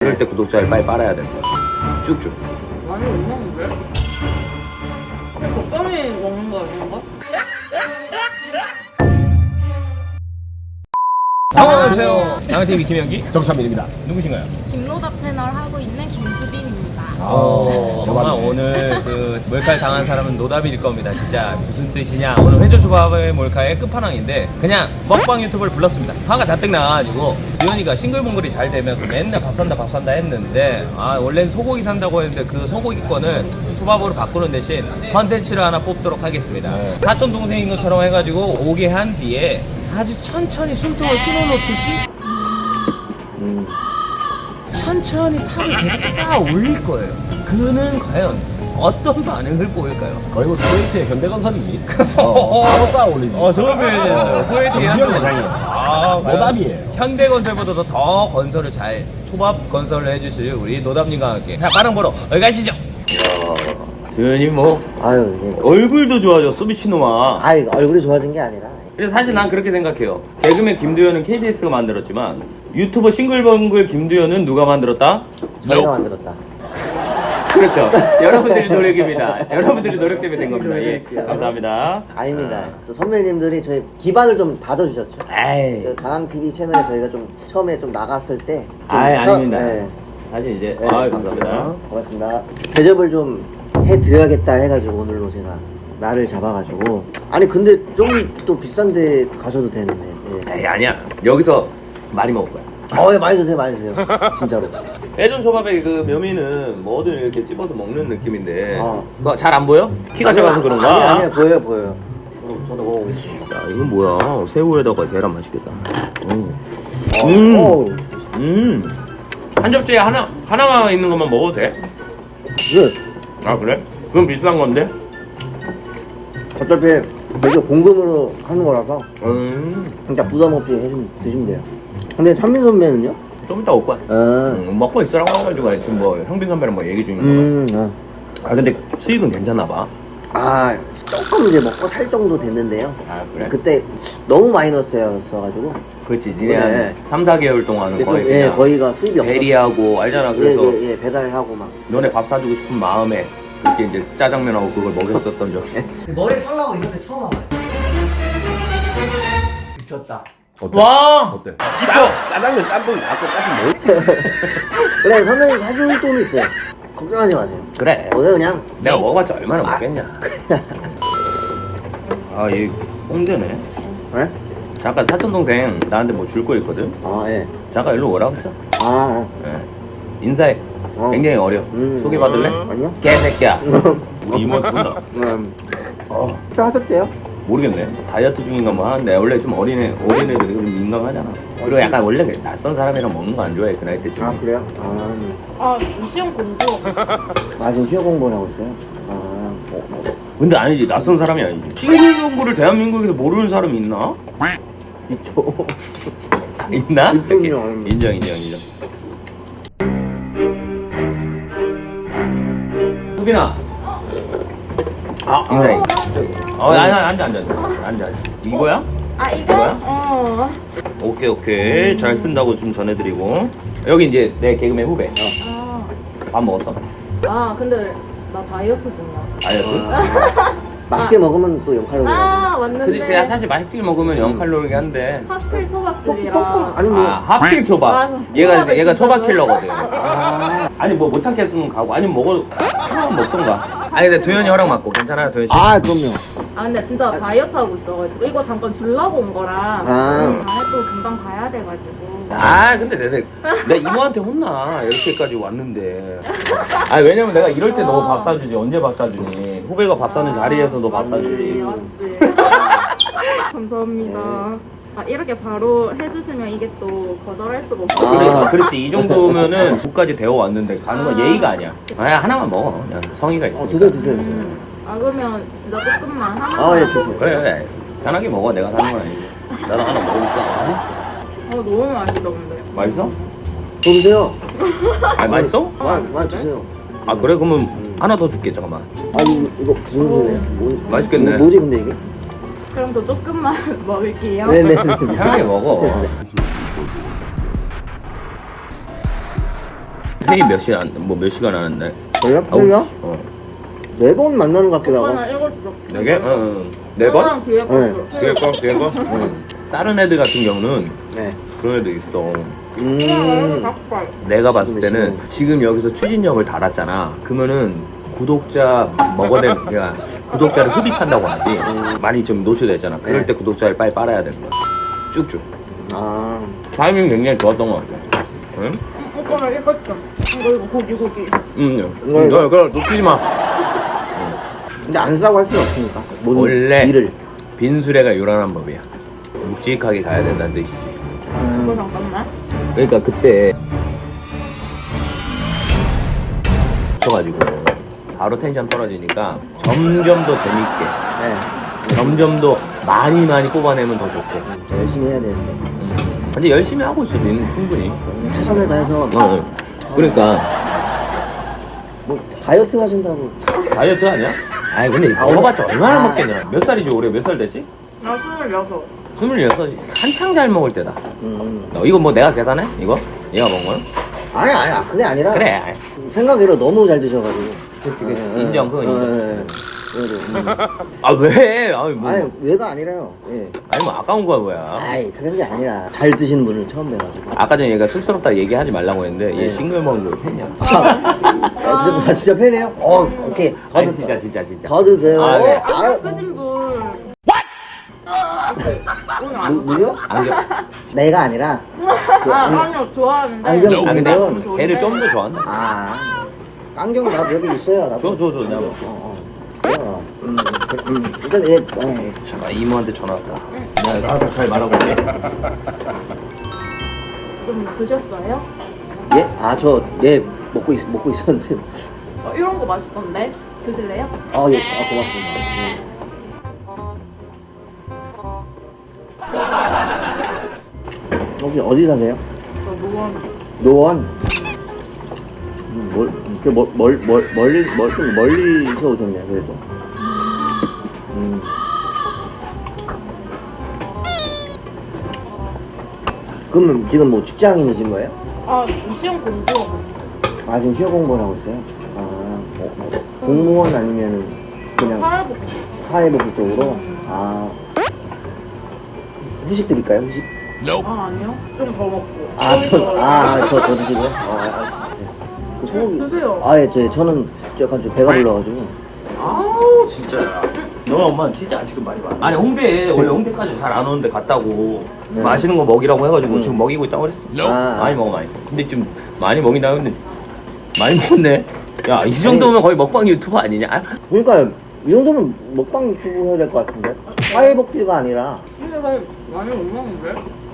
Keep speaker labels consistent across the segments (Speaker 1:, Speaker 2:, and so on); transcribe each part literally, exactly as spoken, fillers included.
Speaker 1: 이럴 때 구독자를 빨리 빨아야 된다. 쭉쭉.
Speaker 2: 많이 못 먹는데? 그냥 적당히 먹는 거 아닌가?
Speaker 1: 안녕하세요. 양팀 김현기
Speaker 3: 정찬민입니다.
Speaker 1: 누구신가요?
Speaker 4: 김노답 채널 하고 있는 김수빈입니다.
Speaker 3: 아,
Speaker 1: 정말 오늘 그 몰카를 당한 사람은 노답일 겁니다. 진짜 무슨 뜻이냐? 오늘 회전초밥의 몰카의 끝판왕인데 그냥 먹방 유튜브를 불렀습니다. 화가 잔뜩 나가지고 주현이가 싱글벙글이 잘 되면서 맨날 밥 산다 밥 산다 했는데 아 원래는 소고기 산다고 했는데 그 소고기권을 초밥으로 바꾸는 대신 컨텐츠를 하나 뽑도록 하겠습니다.
Speaker 3: 네.
Speaker 1: 사촌 동생인 것처럼 해가지고 오게 한 뒤에 아주 천천히 숨통을 끊어놓듯이
Speaker 3: 음.
Speaker 1: 천천히 탑을 계속 쌓아 올릴 거예요. 그는 과연 어떤 반응을 보일까요?
Speaker 3: 거의 뭐 쿠웨이트의 현대건설이지. 어, 바로 쌓아 올리지.
Speaker 1: 어, 좋은 표현이었어요. 쿠웨이트
Speaker 3: 정수영 회장이에요.
Speaker 1: 아, 과연
Speaker 3: 노답이에요.
Speaker 1: 현대건설보다도 더 건설을 잘 초밥 건설을 해주실 우리 노답님과 함께 자, 빠른 보러 여기 가시죠. 도현이 뭐
Speaker 5: 아유, 예.
Speaker 1: 얼굴도 좋아졌어 미친놈아.
Speaker 5: 아이, 얼굴이 좋아진 게 아니라.
Speaker 1: 그래서 사실 난 그렇게 생각해요. 개그맨 김두현은 케이비에스가 만들었지만 유튜버 싱글벙글 김두현은 누가 만들었다?
Speaker 5: 저희가 만들었다.
Speaker 1: 그렇죠. 여러분들이 노력입니다. 여러분들이 노력 때문에 된 겁니다. 예, 감사합니다.
Speaker 5: 아닙니다. 또 선배님들이 저희 기반을 좀 다져주셨죠.
Speaker 1: 에이,
Speaker 5: 그 강항티비 채널에 저희가 좀 처음에 좀 나갔을 때. 좀
Speaker 1: 아이
Speaker 5: 서-
Speaker 1: 아닙니다.
Speaker 5: 네.
Speaker 1: 사실 이제
Speaker 5: 네.
Speaker 1: 아 감사합니다.
Speaker 5: 고맙습니다. 대접을 좀 해드려야겠다 해가지고 오늘로 제가 날을 잡아가지고. 아니, 근데 좀 또 비싼 데 가셔도 되는데. 예.
Speaker 1: 에이 아니야. 여기서 많이 먹을 거야.
Speaker 5: 어, 예, 많이 드세요, 많이 드세요. 진짜로.
Speaker 1: 회전 초밥의 그 묘미는 뭐든 이렇게 찝어서 먹는 느낌인데
Speaker 5: 어.
Speaker 1: 그거 잘 안 보여? 키가 작아서 그런가?
Speaker 5: 아니, 아니, 보여요, 보여요. 그럼 저도 먹어보겠습니다.
Speaker 1: 야 이건 뭐야? 새우에다가 계란 맛있겠다. 음.
Speaker 5: 어,
Speaker 1: 음.
Speaker 5: 어우,
Speaker 1: 음. 한 접시에 하나 하나만 있는 것만 먹어도 돼?
Speaker 5: 끝.
Speaker 1: 아 그래? 그럼 비싼 건데?
Speaker 5: 어차피 이게 공금으로 하는 거라서
Speaker 1: 음.
Speaker 5: 진짜 부담 없이 해주면 드시면 돼요. 근데 찬민 선배는요?
Speaker 1: 좀 이따 올 거야.
Speaker 5: 아,
Speaker 1: 음, 먹고 있으라고 해가지고 지금 뭐 형빈 선배랑 뭐 얘기 중인 거.
Speaker 5: 음, 아,
Speaker 1: 아 근데 수익은 괜찮나 봐.
Speaker 5: 아, 조금 이제 먹고 살 정도 됐는데요.
Speaker 1: 아 그래?
Speaker 5: 그때 너무 마이너스였어가지고.
Speaker 1: 그렇지. 니네
Speaker 5: 네.
Speaker 1: 한 삼, 사 개월 동안은
Speaker 5: 근데
Speaker 1: 거의
Speaker 5: 또, 예,
Speaker 1: 그냥
Speaker 5: 거의가 수입이 없었어요.
Speaker 1: 대리하고 알잖아. 그래서
Speaker 5: 예, 예, 예, 배달하고 막.
Speaker 1: 너네 밥 사주고 싶은 마음에 그렇게 이제 짜장면하고 그걸 먹였었던 적.
Speaker 5: 머리 털라고 이런데 처음 와봐요. 미쳤다.
Speaker 1: 와! 어때? 짜, 짜장면 짬뽕이 나고 짜증 뭐?
Speaker 5: 그래, 선배님 사줄 돈이 있어요. 걱정하지 마세요.
Speaker 1: 그래.
Speaker 5: 오늘 그냥.
Speaker 1: 내가 먹어봤자 얼마나 먹겠냐. 아, 얘 홍대네.
Speaker 5: 예?
Speaker 1: 잠깐 사촌 동생 나한테 뭐 줄 거 있거든.
Speaker 5: 아, 예.
Speaker 1: 잠깐 일로 오라고 했어.
Speaker 5: 아,
Speaker 1: 예. 인사해.
Speaker 5: 어.
Speaker 1: 굉장히 어려.
Speaker 5: 음.
Speaker 1: 소개받을래?
Speaker 5: 아니요?
Speaker 1: 개새끼야. 우리 이모 누구나.
Speaker 5: 음.
Speaker 1: 어,
Speaker 5: 자, 하셨대요?
Speaker 1: 모르겠네. 다이어트 중인가 뭐 하는데 원래 좀 어린애 어린애들이 좀 민감하잖아. 그리고 약간 원래 낯선 사람이랑 먹는 거 안 좋아해 그 나이 때쯤.
Speaker 5: 아, 그래요? 아,
Speaker 2: 아, 지금 시험 공부.
Speaker 5: 아, 지금 시험 공부를 하고 있어요? 아, 어.
Speaker 1: 근데 아니지 낯선 사람이 아니지. 싱글 공부를 대한민국에서 모르는 사람이 있나?
Speaker 5: 있죠.
Speaker 1: 있나?
Speaker 5: 있군요.
Speaker 1: 이렇게. 인정 인정 인정. 수빈아. 아 인사해. 어 아니 아니 앉아 앉아 앉아 앉아. 이거야?
Speaker 2: 아, 이거?
Speaker 1: 이거야?
Speaker 2: 어.
Speaker 1: 오케이 오케이 잘 쓴다고 좀 전해드리고 여기 이제 내 개그맨 후배.
Speaker 2: 아,
Speaker 1: 밥 먹었어?
Speaker 2: 아, 근데 나 다이어트 중이야.
Speaker 1: 다이어트?
Speaker 5: 맛있게 먹으면 또 영 칼로리.
Speaker 2: 아, 맞는데.
Speaker 1: 근데 진짜 사실 맛있게 먹으면 영 칼로리긴 한데
Speaker 2: 하필 초밥집이라.
Speaker 5: 조금, 아니 뭐.
Speaker 1: 아 하필 초밥
Speaker 2: 맞아.
Speaker 1: 얘가
Speaker 2: 초밥을
Speaker 1: 얘가
Speaker 2: 진짜
Speaker 1: 초밥
Speaker 2: 좋아해.
Speaker 1: 킬러거든
Speaker 5: 아,
Speaker 1: 아니 뭐 못 참겠으면 가고 아니면 먹어 하나만 먹던가 아니 근데 도현이 허락 맞고 괜찮아요 도현 씨?
Speaker 5: 아, 그럼요.
Speaker 2: 아, 근데 진짜 다이어트 하고 있어가지고. 이거 잠깐 주려고 온 거라.
Speaker 5: 아.
Speaker 2: 음, 안에 또 금방 가야 돼가지고.
Speaker 1: 아 근데 내가 내 이모한테 혼나 이렇게까지 왔는데 아 왜냐면 내가 이럴 때 너 밥 사주지 언제 밥 사주니 후배가 밥 사는 자리에서 너 밥 사주지
Speaker 2: 맞지. 감사합니다. 아, 이렇게 바로 해주시면 이게 또 거절할 수가 없어.
Speaker 5: 아.
Speaker 1: 그래, 그렇지 이 정도면은 국까지 되어 왔는데 가는 건
Speaker 2: 아.
Speaker 1: 예의가 아니야 아 하나만 먹어 그냥 성의가
Speaker 5: 어,
Speaker 1: 있으니까
Speaker 5: 드세요, 드세요, 드세요.
Speaker 2: 음. 아, 그러면 진짜 조금만 하나만.
Speaker 5: 아, 예, 드세요.
Speaker 1: 그래 그래 편하게 먹어 내가 사는 건 아니지 나도 하나 먹어볼까
Speaker 2: 어, 너무 맛있다, 근데.
Speaker 1: 맛있어?
Speaker 5: 더 드세요.
Speaker 1: 아 맛있어?
Speaker 5: 많이, 많이 드세요.
Speaker 1: 아 그래 그러면 하나 더 줄게 잠깐만
Speaker 5: 아니, 이거 무슨 소리예요? 뭐,
Speaker 1: 맛있겠네.
Speaker 5: 뭐, 뭐지, 근데 이게?
Speaker 2: 그럼 저 조금만 먹을게요.
Speaker 5: 네네.
Speaker 1: 편하게 먹어
Speaker 5: 드세요, 네.
Speaker 1: 회의 몇 시간 뭐 몇 시간 하는데?
Speaker 5: 저요?
Speaker 1: 아홉
Speaker 5: 회의요?
Speaker 1: 시. 어.
Speaker 5: 네 번 만나는 것 같기도 하고.
Speaker 2: 오빠는 일곱 시.
Speaker 1: 네 개? 응. 응. 네 번?
Speaker 2: 뒤에 거.
Speaker 5: 네.
Speaker 1: 뒤에 거? 뒤에 거?
Speaker 5: 응.
Speaker 1: 다른 애들 같은 경우는
Speaker 5: 네.
Speaker 1: 그런 애들 있어.
Speaker 5: 음.
Speaker 2: 닭발.
Speaker 1: 내가 봤을 때는 지금 여기서 추진력을 달았잖아. 그러면은 구독자 먹어내 그냥 구독자를 흡입한다고 하지. 많이 좀 노출됐잖아. 그럴
Speaker 5: 네.
Speaker 1: 때 구독자를 빨리 빨아야 되는 거야. 쭉쭉.
Speaker 5: 아.
Speaker 1: 타이밍 굉장히 좋았던 것 같아. 응?
Speaker 2: 오빠는 일곱 점. 이거 이거 고기 고기.
Speaker 1: 응.
Speaker 5: 이거,
Speaker 1: 응.
Speaker 5: 이거.
Speaker 1: 너 그걸 놓치지 마.
Speaker 5: 근데 안 싸고 할 수는 없으니까. 모든
Speaker 1: 원래
Speaker 5: 일을.
Speaker 1: 빈수레가 요란한 법이야. 묵직하게 가야 된다는 뜻이지.
Speaker 2: 그거
Speaker 5: 음.
Speaker 2: 잠깐만.
Speaker 1: 그러니까 그때 쳐가지고 바로 텐션 떨어지니까 점점 더 재밌게,
Speaker 5: 네.
Speaker 1: 점점 더 많이 많이 뽑아내면 더 좋고.
Speaker 5: 진짜 열심히 해야 되는데.
Speaker 1: 음. 근데 열심히 하고 있어, 니는 충분히.
Speaker 5: 최선을 다해서.
Speaker 1: 어, 어. 그러니까
Speaker 5: 뭐 다이어트 하신다고.
Speaker 1: 다이어트 아니야? 아이 근데
Speaker 5: 아,
Speaker 1: 먹어봤자 얼마나
Speaker 5: 아.
Speaker 1: 먹겠냐. 몇 살이지 올해? 몇 살 됐지?
Speaker 2: 나 스물여섯.
Speaker 1: 스물여섯. 한창 잘 먹을 때다.
Speaker 5: 음.
Speaker 1: 어, 이거 뭐 내가 계산해? 이거? 얘가 먹은 거야?
Speaker 5: 아니 아니 그게 아니라.
Speaker 1: 그래.
Speaker 5: 생각외로 너무 잘 드셔가지고.
Speaker 1: 그치, 그치.
Speaker 5: 예, 예.
Speaker 1: 인정, 그건
Speaker 5: 예,
Speaker 1: 인정.
Speaker 5: 예, 예. 그래도, 음.
Speaker 1: 아 왜? 아니 뭐.
Speaker 5: 아니 왜가 아니라요. 예.
Speaker 1: 아니 뭐 아까운 거야 뭐야.
Speaker 5: 아이 그런 게 아니라 잘 드시는 분을 처음 뵈가지고.
Speaker 1: 아까 전에 얘가 쑥스럽다 얘기하지 말라고 했는데 얘
Speaker 5: 네.
Speaker 1: 싱글벙글 팬이야.
Speaker 5: 아, 아, 진짜, 아, 진짜 팬이에요? 어, 오케이. 더
Speaker 1: 아니
Speaker 5: 드세요.
Speaker 1: 진짜 진짜 진짜.
Speaker 5: 더 드세요.
Speaker 1: 아, 네.
Speaker 2: 안경 쓰신 분. 오늘
Speaker 5: 누,
Speaker 2: 안
Speaker 5: 누구요?
Speaker 1: 안경.
Speaker 5: 내가 아니라. 그,
Speaker 2: 아,
Speaker 5: 안-
Speaker 2: 아니요, 좋아하는데.
Speaker 5: 안경
Speaker 1: 아
Speaker 5: 쓰는
Speaker 1: 근데
Speaker 5: 분.
Speaker 1: 걔를 좀 더 좋아한다.
Speaker 5: 아, 안경 나도 여기 있어요. 나도.
Speaker 1: 줘 줘 줘 내가 먹어.
Speaker 5: 어, 어. 어, 음, 그, 음, 일단 얘, 어, 예.
Speaker 1: 잠깐 이모한테 전화 왔다. 내가 알아서 잘 말하고 올게.
Speaker 2: 좀 드셨어요?
Speaker 5: 예? 아, 저, 얘 먹고 있, 먹고 있었는데.
Speaker 2: 어, 이런 거 맛있던데? 드실래요?
Speaker 5: 아, 예, 아, 고맙습니다. 예. 혹시 어디 사세요?
Speaker 2: 저 노원.
Speaker 5: 노원. 음, 멀, 그 멀, 멀, 멀, 멀리, 멀, 좀 멀리서 오셨네요, 그래도. 음. 그러면 지금 뭐 직장인이신 거예요?
Speaker 2: 아, 지금 시험 공부하고 있어요.
Speaker 5: 아, 지금 시험 공부를 하고 있어요? 아, 어, 어, 공무원 아니면 그냥
Speaker 2: 사회복지.
Speaker 5: 사회복지 쪽으로? 아. 후식 드릴까요, 후식?
Speaker 2: 아, 아니요. 좀 더 먹고.
Speaker 5: 아, 저, 아, 저, 저 드시고요? 아, 아, 네. 그 소고기.
Speaker 2: 드세요.
Speaker 5: 아, 예, 저, 저는 약간 좀 배가 불러가지고.
Speaker 1: 아우 진짜. 너 엄마 진짜 지금 말이 많아. 아니 홍대에 원래 홍대까지 잘 안 오는데 갔다고
Speaker 5: 네.
Speaker 1: 맛있는 거 먹이라고 해가지고
Speaker 5: 음.
Speaker 1: 지금 먹이고 있다고 그랬어.
Speaker 5: 아.
Speaker 1: 많이 먹어 많이. 근데 좀 많이 먹인다 근데 많이 먹었네. 야 이 정도면 거의 먹방 유튜버 아니냐? 아,
Speaker 5: 그러니까, 이 정도면 먹방 유튜브 해야 될 것 같은데? 사회복지가 아니라.
Speaker 2: 근데 저 많이 못 먹는데?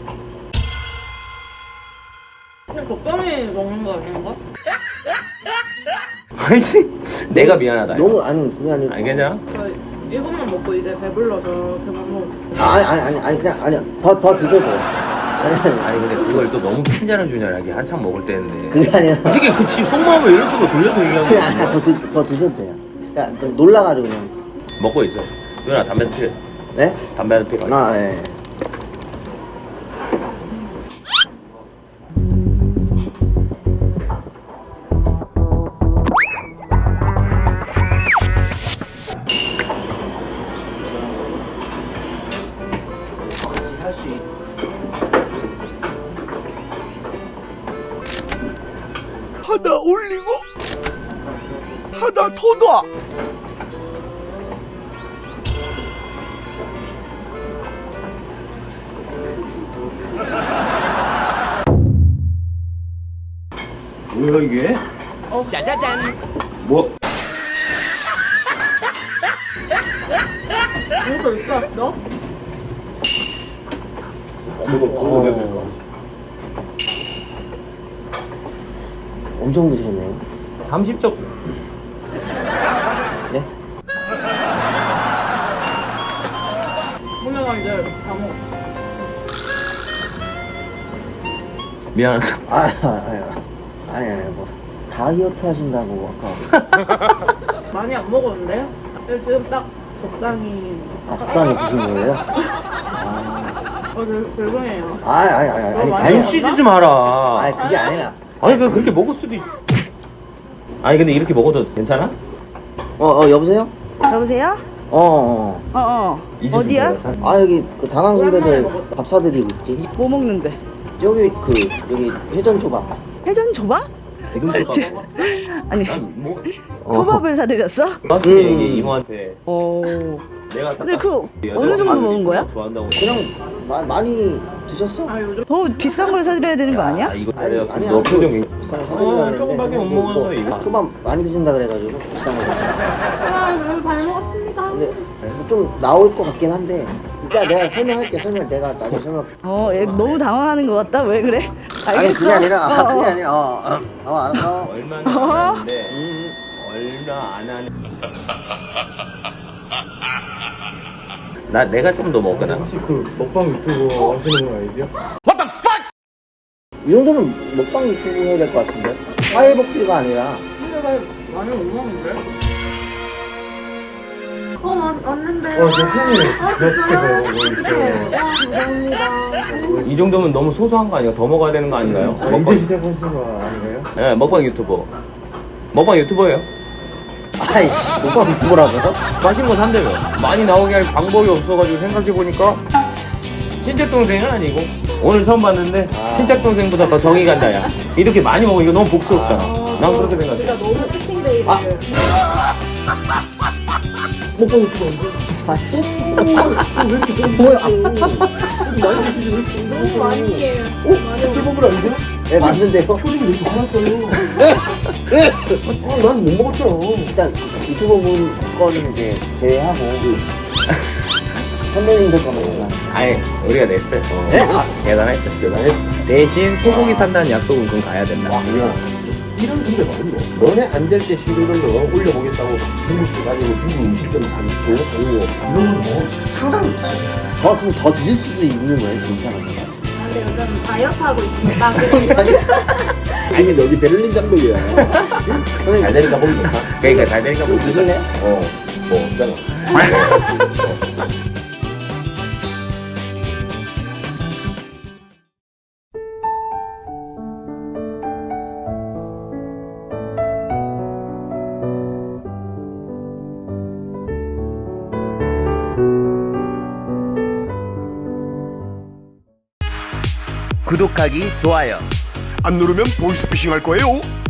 Speaker 2: 그냥 적당히 먹는 거 아닌가?
Speaker 1: 아니지. 내가 미안하다.
Speaker 5: 너무, 아니, 그게 아니라.
Speaker 1: 아니 괜찮아?
Speaker 2: 저 이것만 먹고 이제 배불러서 그만 먹.
Speaker 5: 아니, 아니, 아니, 아니, 그냥, 아니, 더, 더 드셔도 돼요. 아니, 아니,
Speaker 1: 아니 근데 그걸 또 너무 핀잔을 주냐 이게 한참 먹을 때인데.
Speaker 5: 그게 아니라.
Speaker 1: 어떻게 그치 속마음을 이런 식으로 돌려서 얘기하는
Speaker 5: 그냥, 아니,
Speaker 1: 거야.
Speaker 5: 더, 드, 더 드셔도 돼요. 그냥 좀 놀라가지고 그냥.
Speaker 1: 먹고 있어. 누나 담배 피워.
Speaker 5: 네?
Speaker 1: 담배 하나 피워.
Speaker 5: 아, 예.
Speaker 3: 하나 올리고 하나 더 놔.
Speaker 1: 뭐야 이게?
Speaker 2: 어.
Speaker 1: 짜자잔. 뭐?
Speaker 2: 이거 있어? 너?
Speaker 5: 어. 엄청 드셨네요.
Speaker 1: 삼십 적.
Speaker 5: 네?
Speaker 2: 오늘은 이제 다 먹었어.
Speaker 1: 미안하다.
Speaker 5: 아, 아니, 아니, 아니, 뭐. 다이어트 하신다고 아까.
Speaker 2: 많이 안 먹었는데요? 지금 딱 적당히.
Speaker 5: 아, 적당히 드신 거예요? 아,
Speaker 2: 어, 죄, 죄송해요.
Speaker 5: 아니, 아니, 아니, 아니,
Speaker 2: 너무 많이
Speaker 5: 아니,
Speaker 1: 눈치지 좀 마라.
Speaker 5: 아니, 그게 아니라.
Speaker 1: 아니 그 그렇게 먹을 수도 있... 아니 근데 이렇게 먹어도 괜찮아?
Speaker 5: 어, 어, 여보세요?
Speaker 6: 여보세요?
Speaker 5: 어, 어,
Speaker 6: 어어
Speaker 1: 이 집
Speaker 6: 어디야?
Speaker 1: 내가 사-
Speaker 5: 어. 아, 여기 그 당황
Speaker 2: 오랜만에
Speaker 5: 선배들
Speaker 2: 먹었다.
Speaker 5: 밥 사드리고 있지.
Speaker 6: 뭐 먹는데?
Speaker 5: 여기 그, 여기 회전 초밥.
Speaker 6: 회전 초밥?
Speaker 5: 지금 초밥.
Speaker 6: 아니
Speaker 1: 뭐
Speaker 6: 초밥을 사드렸어?
Speaker 1: 맞지
Speaker 5: 음.
Speaker 1: 얘기 이모한테
Speaker 6: 오
Speaker 1: 내가
Speaker 6: 근데 그
Speaker 1: 여자
Speaker 6: 어느 정도
Speaker 1: 엄마들이
Speaker 6: 먹은 거야?
Speaker 1: 좋아한다고.
Speaker 5: 그냥 마, 많이 드셨어?
Speaker 2: 아 요즘
Speaker 6: 더 비싼 걸 사드려야 되는 거 아니야?
Speaker 1: 아, 이거
Speaker 5: 아니,
Speaker 1: 내가
Speaker 5: 아니,
Speaker 1: 너
Speaker 5: 아니,
Speaker 1: 표정이
Speaker 5: 비싼 거
Speaker 1: 어,
Speaker 5: 사드리려고
Speaker 1: 조금밖에 못 먹어서 이거.
Speaker 5: 초밥 많이 드신다 그래가지고 비싼 거 샀어.
Speaker 2: 아 너무 잘 먹었습니다.
Speaker 5: 근데 좀 나올 것 같긴 한데 이따 내가 설명할게. 설명 내가 나중에 설명.
Speaker 6: 어 얘 너무 당황하는 것 같다 왜 그래? 알겠어?
Speaker 5: 아니 그게 아니라 아,
Speaker 6: 어, 어.
Speaker 5: 그게 아니라 어, 어, 어 알았어.
Speaker 1: 얼마나
Speaker 6: 어?
Speaker 1: 안 하는데
Speaker 5: 음,
Speaker 1: 얼마 안 하는 나 내가 좀 더 먹거나
Speaker 7: 혹시 그 먹방 유튜브 하시는 분 아니세요?
Speaker 5: 이 정도면 먹방 유튜브 해야 될 것 같은데. 파일 복귀가 아니라.
Speaker 2: 어 맞, 맞는데.
Speaker 7: 어, 저 형이
Speaker 2: 아
Speaker 7: 그렇게
Speaker 2: 진짜요?
Speaker 7: 보고 있어요.
Speaker 2: 와 감사합니다.
Speaker 1: 이 정도면 너무 소소한 거 아니야? 더 먹어야 되는 거 아닌가요?
Speaker 7: 아, 이제 시작하신 거 아닌가요?
Speaker 1: 네, 먹방 유튜버 먹방 유튜버예요.
Speaker 5: 아이씨 먹방 유튜브라고요?
Speaker 1: 맛있는 거 산대요. 많이 나오게 할 방법이 없어가지고 생각해보니까 친척 동생은 아니고 오늘 처음 봤는데
Speaker 5: 아.
Speaker 1: 친척 동생보다 더 정이 간다 야. 이렇게 많이 먹으면 이거 너무 복스럽잖아.
Speaker 2: 어,
Speaker 1: 난
Speaker 2: 저
Speaker 1: 그렇게 생각해.
Speaker 2: 진짜 너무 치팅데이를.
Speaker 1: 아.
Speaker 7: 먹방 유튜브 왜 이렇게 좀
Speaker 5: 뭐야?
Speaker 7: 많이 드시지 왜 이렇게
Speaker 2: 너무 많이 해요.
Speaker 7: 어? 술 아니세요?
Speaker 5: 네 맞는데요.
Speaker 7: 표정이 왜 이렇게 화났어요? 아, 난 못 먹었잖아.
Speaker 5: 일단 유튜버 분 거는 이제 제외하고 선배님들 거 먹자.
Speaker 1: 아니 우리가 냈어요. 어.
Speaker 5: 네? 아.
Speaker 1: 대단했어. 대단했어. 대신 소고기 산다는 약속은 좀 가야 된다.
Speaker 7: 야, 이런 선배 많이 너. 너네 안 될 때 싱글벙글 올려보겠다고 중국집 가지고 중국 음식점 사 좋은 거 사고 이런 거뭐 상상 못해.
Speaker 5: 더 그럼 더 드실 수도 있는 거예요, 괜찮은 거.
Speaker 2: 아, 근데 요즘 다이어트 하고 있습니다. 그래서
Speaker 7: 아니 여기 베를린 장벽이야. 잘 되니까 보기 좋다.
Speaker 1: 그러니까 잘 되니까 뭐
Speaker 5: 드실래?
Speaker 7: 어, 뭐 없잖아.
Speaker 1: 구독하기 좋아요.
Speaker 8: 안 누르면 보이스피싱 할 거예요.